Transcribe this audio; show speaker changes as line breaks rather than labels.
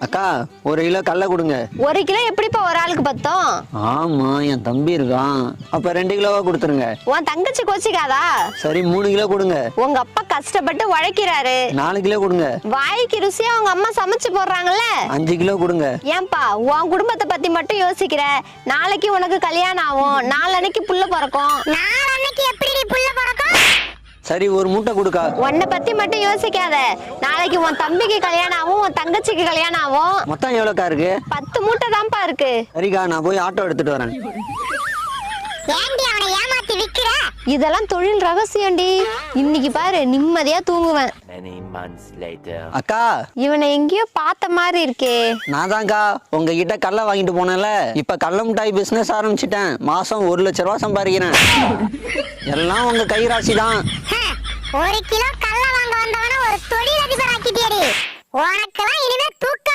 அக்கா 1 கிலோ கடலை கொடுங்க.
1 கிலோ எப்படிப்பா ஒரு ஆளுக்கு பத்தும்?
ஆமா, என் தம்பி இருக்கான். அப்ப 2 கிலோவா கொடுத்துருங்க.
உன் தங்கச்சி கோச்சிக்காதா?
சரி 3 கிலோ கொடுங்க.
உங்க அப்பா கஷ்டப்பட்டு உழைக்கிறாரு.
4 கிலோ கொடுங்க.
வாய்க்கு ருசியா உங்க அம்மா சமைச்சு போடுறாங்கல்ல.
5 கிலோ கொடுங்க.
ஏன்பா உன் குடும்பத்தை பத்தி மட்டும் யோசிக்கிற? நாளைக்கு உனக்கு கல்யாணம் ஆகும், நாளன்னைக்கு புள்ள பிறக்கும். நாளன்னைக்கு எப்படி புள்ள பிறக்கும்?
சரி 1 மூட்டை கொடுக்கா.
உன்னை பத்தி மட்டும் யோசிக்காத. நாளைக்கு உன் தம்பிக்கு கல்யாணம் ஆகும், உன் தங்கச்சிக்கு கல்யாணம் ஆகும்.
மொத்தம் எவ்வளோக்கா இருக்கு?
10 மூட்டை தான்ப்பா இருக்கு.
சரிக்கா, நான் போய் ஆட்டோ எடுத்துட்டு வரேன்.
இதெல்லாம் தொழில் ரகசியம்டி. இன்னைக்கு பாரு நிம்மதியா தூங்குவேன்.
அக்கா,
இவனை எங்கேயோ பார்த்த மாதிரி இருக்கே.
நான் தான்க்கா உங்ககிட்ட கடலை வாங்கிட்டு போனேன்ல. இப்ப கடலை மிட்டாய் பிசினஸ் ஆரம்பிச்சிட்டேன். மாசம் 1 லட்ச ரூபா சம்பாதிக்கிறேன். எல்லாம் உங்க கைராசி தான்.
1 கிலோ கடலை வாங்க வந்தவன ஒரு தொழிலதிபர் ஆக்கிட்டியடி. உனக்கெல்லாம் இனிமே தூக்க